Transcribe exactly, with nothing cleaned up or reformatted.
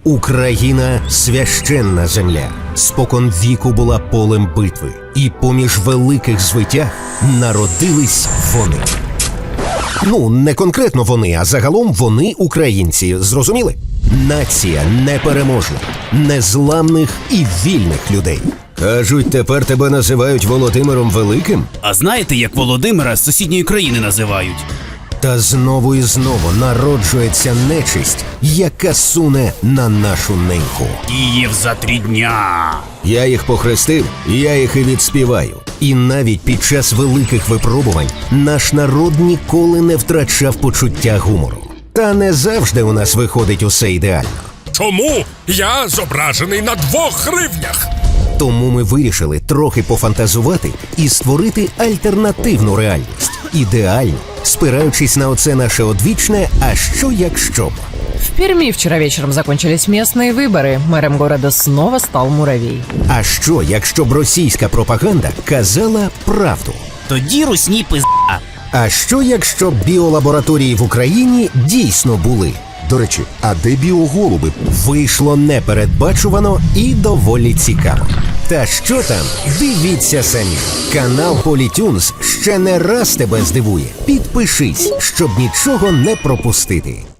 Україна – священна земля. Спокон віку була полем битви. І поміж великих звитяг народились вони. Ну, не конкретно вони, а загалом вони українці. Зрозуміли? Нація непереможна, незламних і вільних людей. Кажуть, тепер тебе називають Володимиром Великим? А знаєте, як Володимира з сусідньої країни називають? Та знову і знову народжується нечисть, яка суне на нашу неньку. Київ за три дня. Я їх похрестив, я їх і відспіваю. І навіть під час великих випробувань наш народ ніколи не втрачав почуття гумору. Та не завжди у нас виходить усе ідеально. Чому я зображений на двох гривнях? Тому ми вирішили трохи пофантазувати і створити альтернативну реальність. Ідеальну, спираючись на оце наше одвічне «а що якщо б?». В Перми вчера вечером закончились местные выборы. Мэром города снова стал Муравей. А що, якщо б російська пропаганда казала правду? Тоді русні пизда. А що, якщо б біолабораторії в Україні дійсно були? До речі, а де біоголуби? Вийшло непередбачувано і доволі цікаво. Та що там? Дивіться самі. Канал Політюнс ще не раз тебе здивує. Підпишись, щоб нічого не пропустити.